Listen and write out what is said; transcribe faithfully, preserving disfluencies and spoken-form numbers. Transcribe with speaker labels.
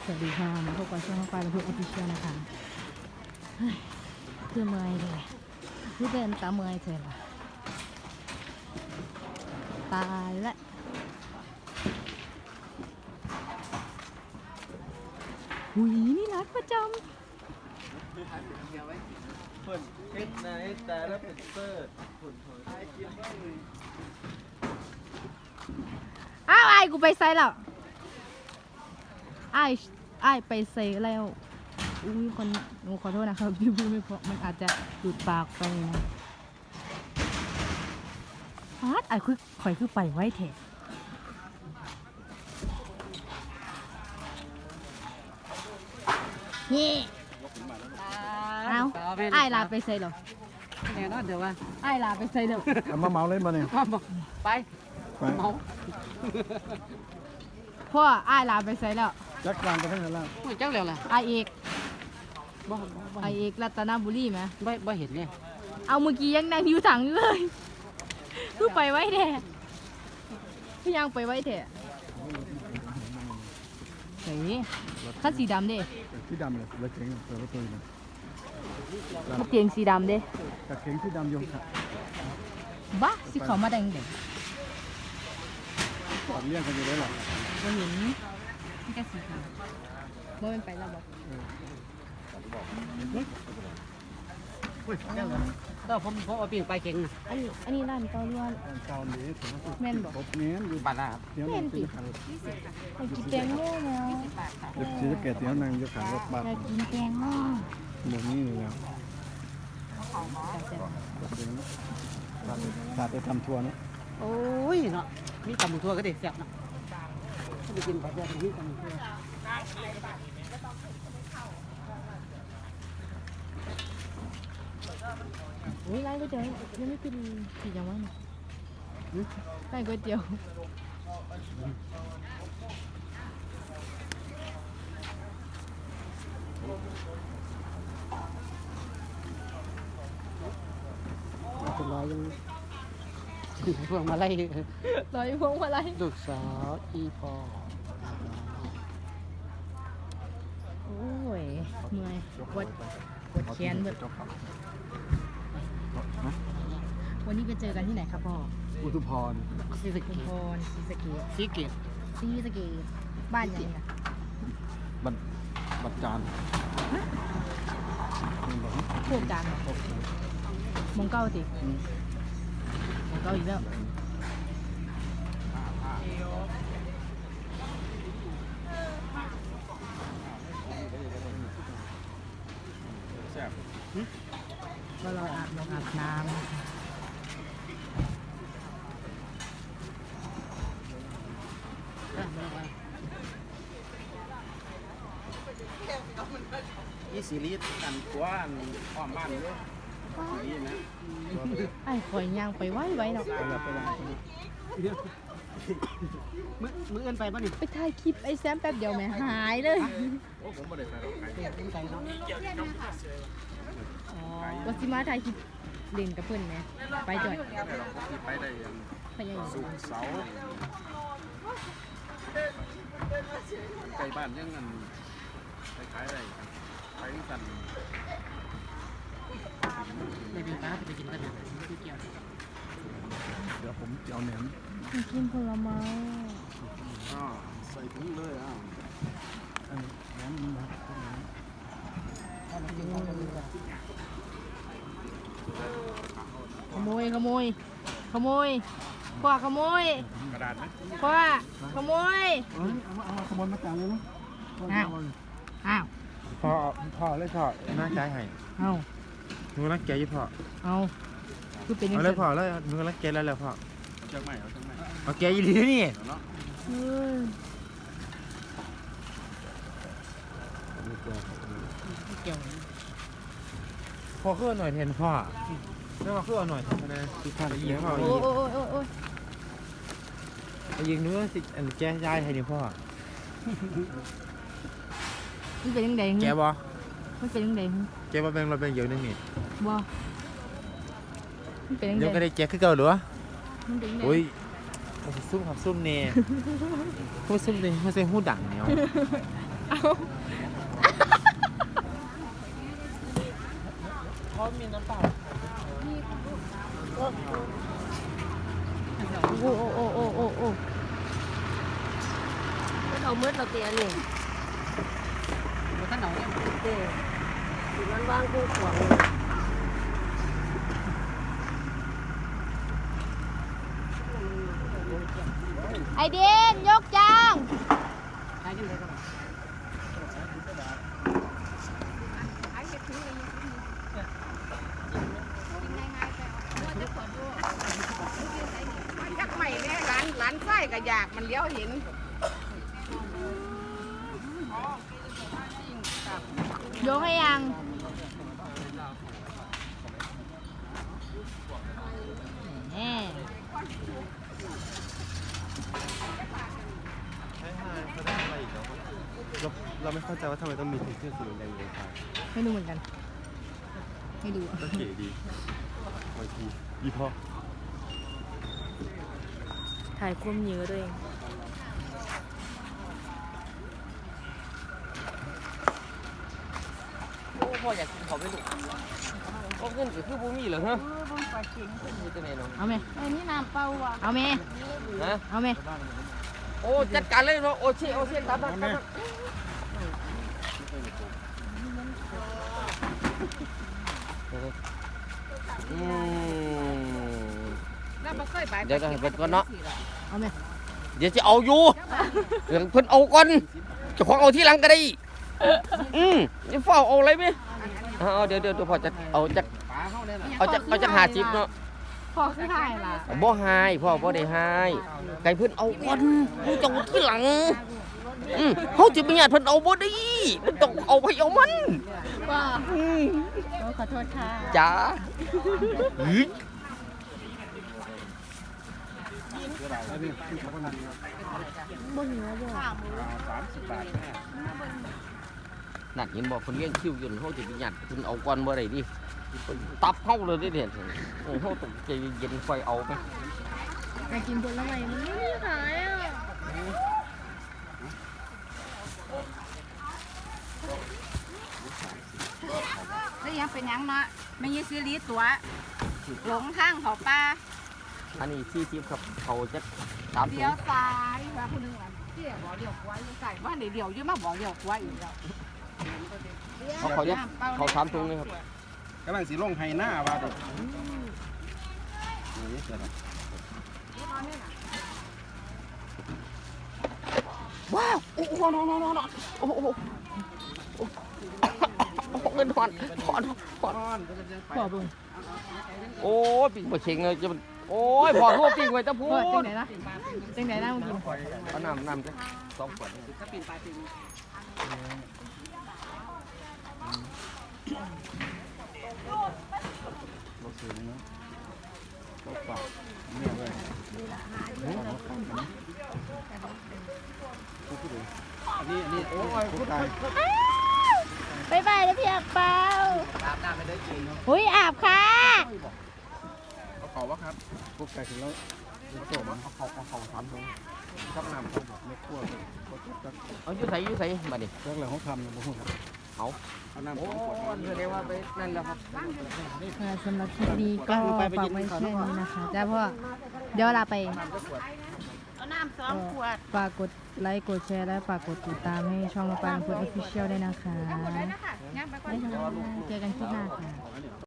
Speaker 1: วัสดีค่ะมาพบกับช่องไฟและพูดออฟฟิเชียลนะคะคือเมื่อยเลยคือเดินตาเมื่อยเฉยละตายละหุยนี่รักประจำ
Speaker 2: ผลเฮ็ดในแต่ละเป็นเตอร์ผลผล
Speaker 1: อ้าวไอ้กูไปใส่แล้วไอ้ไอ้ไปใส่แล้วอุ้ยคนหนูขอโทษนะครับพี่พูดไม่เพราะมันอาจจะหลุดปากไปนะฟาดไอ้คือข่อยคือไปไว้เถอะนี่เอาไอ้ลาไปใส่แล้ว
Speaker 3: แน่นอนเดี๋ยวว่า
Speaker 1: ไอ้ลาไปใส่แล้ว
Speaker 2: เอามาเมาเล่นมาเนี่ย
Speaker 3: พ่อบอกไป
Speaker 2: ไป
Speaker 3: เมา
Speaker 1: พ่อไอ้ลาไปใส่แล้ว
Speaker 2: จักรวางไปทั้งนั้นแล้ว
Speaker 3: ไม่จังแล้วล่ะ
Speaker 1: ไอ้เอก
Speaker 3: บ่บ่
Speaker 1: ไอ้เอกรัตนบุรีไหม
Speaker 3: บ่บ่เห็นเลย
Speaker 1: เอาเมื่อกี้ยังนั่งอยู่ถังอยู่เลยคือไปไว้แท้คือยังไปไว้แท้เฮ้ยคันสีดำเด้
Speaker 2: ที่ดำเลยรถเก๋งเปิดประตูเลย
Speaker 1: มาเตียงสีดำเด้
Speaker 2: กับเก๋งที่ดำยงค่ะ
Speaker 1: บ้าสิเขามาแดงเด็ก
Speaker 2: ตัดเลี่ยงกันอยู่ได้หรอ
Speaker 1: บ่เห็นนี่ก็สีขาวบ่เป็นไปแล้วบอก
Speaker 3: เฮ้ยจังแล้วก็ผมผมเอาปีนไปเก่งนะ
Speaker 1: อันนี้อันนี้ร้านเกาล้วน
Speaker 2: เก่าหนีถึง
Speaker 1: แม่นบอก
Speaker 2: ครบเนี้ยอยู่
Speaker 3: บัตรนะครับ
Speaker 2: เดี๋ยวนั่งกินขัน
Speaker 1: อยากกินแตงโมแล้ว
Speaker 2: เดี๋ยวชีสเกตเดี๋ยวนั่งอยู่ขันรถบัส
Speaker 1: อยากกินแตงโม
Speaker 2: หมดนี้เลยแล้วขาดไปทำทัวร์นะ
Speaker 3: โอ้ยเนาะมีตำบักทั่วก็ได้แซ่บเนาะไปกินไปเดี๋ยวมีตำบักทั่ว
Speaker 1: โอ้ยร้านก๋วยเตี๋ยวยังไม่กินสีจังวะเนี่ยร้านก๋วยเตี๋ยว
Speaker 3: เป็นร้อยยังพวงมาไล่
Speaker 1: รอยพวงมาลัย
Speaker 3: ลูกสาวอีพอ
Speaker 1: โอ้ยเมื่อยปวดปวดแขนเบิดวันนี้ไปเจอกันที่ไหนครับพ่อ
Speaker 2: อุทุพร
Speaker 3: ซีส
Speaker 1: ชุ
Speaker 3: เกี
Speaker 1: มพรศรีสะเกษ
Speaker 3: ซีเกต
Speaker 1: ศรีสะเกษบ้านยังไงนะ
Speaker 2: บัตรบัตรจาน
Speaker 1: พวกจานมองเก้าสิมองเก้าอีกแล้วก็รออาบน้ำอาบน้ำ
Speaker 2: ยี่สิลิตรกันกว้านอ้อมบ้านด้วยนี่นะ
Speaker 1: ไอ้ข่อยย่างไปไว้ไว้เนาะ
Speaker 2: ไปแล้วไปแล้ว
Speaker 3: มือมือเอินไปป่ะนี่
Speaker 1: ไปถ่ายคลิปไอ้แซมแป๊บเดียวแม่หายเลย
Speaker 2: โอ้ผมไม่ได้ไปหรอก
Speaker 3: เอินไปเนาะ
Speaker 1: อ๋อวัชิมาถ่ายคลิปเล่นกับเพื่อนไหมไปจ่อย
Speaker 2: ไปได้ยัง
Speaker 1: ไปยัง
Speaker 2: สุกเสาไกลบ้านยังกันไปขายอะไรไปกัน
Speaker 3: ในปีฟ้าไปกินกันนะที่เกี่ยว
Speaker 2: เดี๋ยวผมจะเอาแหนม
Speaker 1: กินผลไม้
Speaker 2: อ่าใส่ถุงเลยอ่ะแหนมมันแบบ
Speaker 1: ขโมยขโมยขโมยขวาขโมย
Speaker 2: กระดาษไหม
Speaker 1: ขวาขโมย
Speaker 2: เอ้ยเอามาเอาขโมยมาจานเลยมั้ย
Speaker 1: อ้าวอ้าว
Speaker 4: พ่อพ่อเลยพ่อน่าใจให้
Speaker 1: เอา
Speaker 4: หนูรักแกอยู่พ่อ
Speaker 1: เอาคือเป็นยัง
Speaker 4: เอา
Speaker 1: ไง
Speaker 4: เลยพ่อเลยหนูรักแกแล้วแล้วพ่อ
Speaker 2: เจ้าใหม่เอาเจ้าใหม่
Speaker 4: เอาแกอยู่ดีนี่
Speaker 2: เนาะ
Speaker 1: เออ
Speaker 3: เกี่ยว
Speaker 4: พ่อขึ้นหน่อยเทนพ่อแล้วมาขึ้นเอาหน่อยทำไมคือพ่อยิงพ่อ
Speaker 1: โอ้
Speaker 4: ยิง
Speaker 1: โอ้โอ้โอ้โอ้ย
Speaker 4: ยิงหนูสิอันแกยายให้ดิพ่อ
Speaker 1: มันเป็นยังไง
Speaker 4: แกบ่
Speaker 1: มันเป็นยังไง
Speaker 4: แกบ่เป็นเราเป็นเยอะนึงนี่
Speaker 1: บ่มันเป็นยังไง
Speaker 4: เดี๋ยวก็ได้แกคือเก่าหรือวะ
Speaker 1: มันเป็นยังไง
Speaker 4: โอ้ยซุ่มครับซุ่มเน่พูดซุ่มเน่ไม่ใช่หูดังเนี่ย
Speaker 1: เอา
Speaker 4: เขามีน้ำเปล่า
Speaker 1: โอ้โอ้โอ้โอ้โอ้
Speaker 5: เอาเมื่อเราเตียนี่
Speaker 3: มันท่านเอาเนี่ย
Speaker 5: เตียอยู่นั้นว่างกูขวาง
Speaker 1: ไอเดนยกจาง
Speaker 3: ใช้ยังไงก็ได้
Speaker 6: จักใหม่เนี่ยร้านร้านไส้ก็อยากมันเลี้ยวเห็น
Speaker 1: ยกให้ยังแหม
Speaker 4: เราเราไม่เข้าใจว่าทำไมต้องมีถุงเสื้อสีแดงเลยครับ
Speaker 1: ไม่ดูเหมือนกัน ไม่ดูอะ
Speaker 4: ก็เก๋ดีบางทียี่ห้อ
Speaker 1: ถ่ายคุ้มเยอะด้วยเอง
Speaker 5: โอ้พ่ออยากกินเขาไม่ถูกก็ขึ้นก็คือบูมี่เหรอฮะมีตัวไหนเนาะ
Speaker 1: เอาไหม
Speaker 6: ไอ้นี่น้ำเปล่าอ่ะ
Speaker 1: เอาไหม
Speaker 5: ฮะ
Speaker 1: เอาไหม
Speaker 5: โอ้จัดการเลยเนาะโอเชโอเชตามมาตามมาอืม
Speaker 6: แล้วมันเคยไป
Speaker 5: เดี๋ยวเดี๋ยวเดี๋ยวก่อนเนาะ
Speaker 1: เอาไหม
Speaker 5: เดี๋ยวจะเอาอยู่เดี๋ยวเพิ่นเอาก่อนเจะของเอาที่หลังก็ได้อืมจะเฝ้าเอาอะไรไหมเอาเดี๋ยวเดี๋ยวเดี๋ยวพอจะเอาจาก
Speaker 2: ปลาเข้าได้ละ
Speaker 5: เอาจากเอาจากหาจิบเนาะ
Speaker 1: พอคือถ่ายล่ะ
Speaker 5: บ่หายพ่อบ่ได้หายไก่เพิ่นเอาก่อนเขาจะเอาที่หลังอืมเขาจะมีญาติเพิ่นเอาบ่ได้มันต้องเอาไปเอามัน
Speaker 1: ว่า
Speaker 5: อืม
Speaker 1: ขอโทษค่ะ
Speaker 5: จ้าหือ
Speaker 1: บ่หิวบ่
Speaker 2: สามสิบบาท
Speaker 5: นั่นเห็นบอกคนเลี้ยงคิวอยู่เขาจะมีญาติเพิ่นเอาก่อนบ่ได้ดิตับเฮาเลยเด้เนี่ยเออเฮาต้องใจเย็นๆค่อยเอาไป
Speaker 1: อยากกินผลไม้มันไม่มีขายอ่ะ
Speaker 6: แล้วยังเป็นยังเนาะไม่ยี่ซื้อลีตัวหลงทางเขาป้า
Speaker 5: อันนี้สี่สิบครับเขาจะสามถุ
Speaker 6: เลี้ย
Speaker 5: ง
Speaker 6: วซ้ายว่าคนหนึงอ่ะที่บอกเลี้ยวขวาอยู่ใส่ว่าเดี๋ยวเดี๋ยวยืมมาบอกเลี้ยวขวาอีกแล้ว
Speaker 5: เขาเขาจะเขาสามถุงเลยครับ
Speaker 2: กำลังสีลงไฮหน้าว่าเด็กนี่เสร็จแล้ว
Speaker 5: ว้าวโอ้โหนอนนอนโอ้โหโอ้โหเงินถอนถอนถอน
Speaker 2: ก้อนก็จะยังไป
Speaker 1: พ่อเบิ่ง
Speaker 5: โอ้ยปิ่งบ่เชงเลยจะมันโอ้ยพอทั่วปิ่งไว้ตะพู
Speaker 1: พ่อจัง
Speaker 5: ด
Speaker 1: ไหนนะจังไหนนะมึงกิน
Speaker 5: เอาน้ำน้ำจ้ะสองขวด
Speaker 3: ถ้าปีนปลายปีน
Speaker 2: รถสูงนะรถปากเนี่ยเลยอันนี้อันนี้โอ้ยพูดตาย
Speaker 1: บายบายแล้วพี่อักเปา
Speaker 2: อาบน้ำไม่ได้กินเนาะ
Speaker 1: อุ้ยอาบค่ะ
Speaker 2: เอาเขาวะครับพวกไก่ถึงแล้วเอาเขาเอาเขาเอาเขาทำตรงชักน้ำเขาบอกไม่คั่วเลยเขาจุดจัก
Speaker 5: เอาอยู่ใส่อยู่ใส่มาดิ
Speaker 2: จักแล้วเขาทำเนี่ยบ่ฮู้ครับ
Speaker 5: เอา
Speaker 2: เอาน้ำ
Speaker 5: โอ้
Speaker 2: สองขวด
Speaker 5: ยแสดงว่าไปนั่นแล้วครับ
Speaker 1: ค่ะสำหรับคลิปนี้ก็ฝากไว้แค่นี้นะคะจ้าพ่อเดี๋ยวเราไป
Speaker 6: เอาน้ำสองขวด
Speaker 1: ฝากกดไลค์กดแชร์และฝากกดติดตามให้ช่องมาปางคนออฟฟิเชียลด้วยนะคะ
Speaker 6: หมดเลยนะคะย่างไปก่อน
Speaker 1: บ๊ายบายเจอกันคลิปหน้าค่ะ